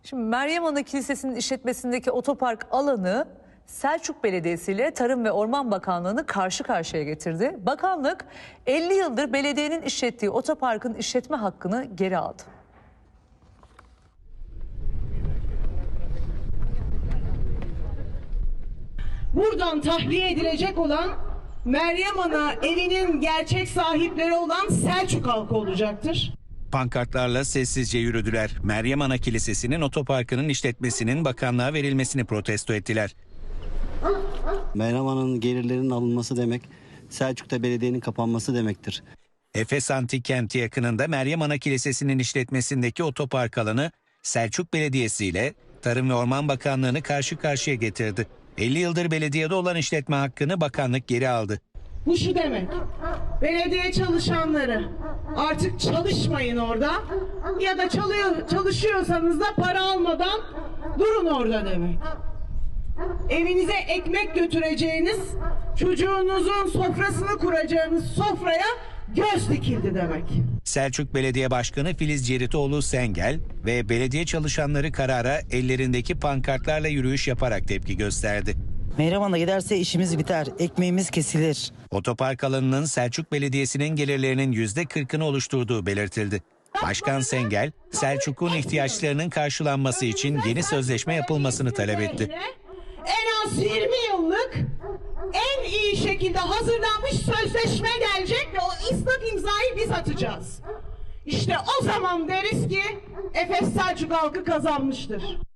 Şimdi Meryem Ana Kilisesi'nin işletmesindeki otopark alanı Selçuk Belediyesi ile Tarım ve Orman Bakanlığı'nı karşı karşıya getirdi. Bakanlık 50 yıldır belediyenin işlettiği otoparkın işletme hakkını geri aldı. Buradan tahliye edilecek olan Meryem Ana evinin gerçek sahipleri olan Selçuk halkı olacaktır. Pankartlarla sessizce yürüdüler. Meryem Ana Kilisesi'nin otoparkının işletmesinin bakanlığa verilmesini protesto ettiler. Meryem Ana'nın gelirlerinin alınması demek, Selçuk'ta belediyenin kapanması demektir. Efes Antik Kenti yakınında Meryem Ana Kilisesi'nin işletmesindeki otopark alanı Selçuk Belediyesi ile Tarım ve Orman Bakanlığı'nı karşı karşıya getirdi. 50 yıldır belediyede olan işletme hakkını bakanlık geri aldı. Bu şu demek, belediye çalışanları artık çalışmayın orada ya da çalışıyorsanız da para almadan durun orada demek. Evinize ekmek götüreceğiniz, çocuğunuzun sofrasını kuracağınız sofraya göz dikildi demek. Selçuk Belediye Başkanı Filiz Ceritoğlu Sengel ve belediye çalışanları karara ellerindeki pankartlarla yürüyüş yaparak tepki gösterdi. Meryem Ana giderse işimiz biter, ekmeğimiz kesilir. Otopark alanının Selçuk Belediyesi'nin gelirlerinin %40'ını oluşturduğu belirtildi. Başkan Sengel, Selçuk'un ihtiyaçlarının karşılanması için yeni sözleşme yapılmasını talep etti. En az 20 yıllık en iyi şekilde hazırlanmış sözleşme gelecek ve o ıslak imzayı biz atacağız. İşte o zaman deriz ki Efes Selçuk halkı kazanmıştır.